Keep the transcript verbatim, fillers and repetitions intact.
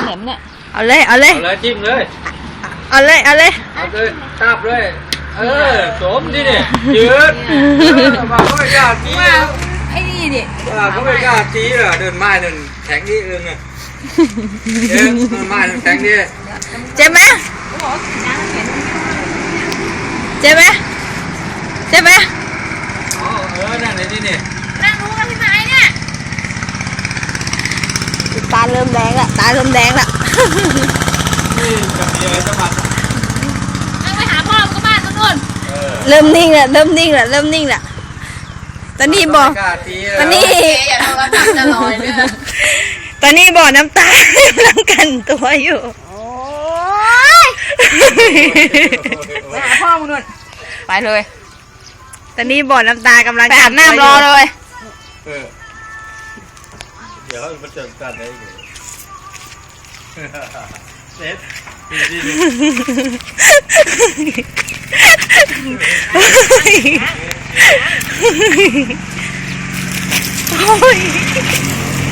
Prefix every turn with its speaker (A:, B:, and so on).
A: แหลมเนี่ย
B: เอาเลยเอาเลย
C: เอาเลยจิ้มเลย
B: เอาเลยเอาเลย
C: เอาเลยตับเลยเออสมที่นี่ยืดมาเขาไม่กล้าจี้
A: ว่าไอ้นี่ดิ
C: ว่าเขาไม่กล้าจี้เหรอเดินไม้เดินแข็งนี่เองอ่ะเดินไม้เดินแข็งนี่
B: เจ็บไหมเจ็บไหมเจ็บไหม
C: อ๋อเออนั่นเลยที่นี่
A: นั่งรู้กันที่ไหนเนี่ย
B: ตาเริ่มแดงละตาเริ่มแดงละ
C: นี่กับเมียจะมา
A: นั่งไปหาพ่อก็บ้านนู่น
B: เริ่มนิ่งละเริ่มนิ่งละเริ่มนิ่งละตอนนี้บอกตอนนี้
A: อย่าโดนรับจะลอยเนี่ย
B: ตอนนี้บ่อน้ำตากำลังกันตัวอยู่
A: โอ้ยไปหาพ่อมึงนู่นไปเลย
B: ตอนนี้บ่อน้ำตากำลัง
A: ไปอาบน้ำรอเลย
C: เดี๋ยวมาเจอกันได้อยู่เซ็ต
B: โอ้ย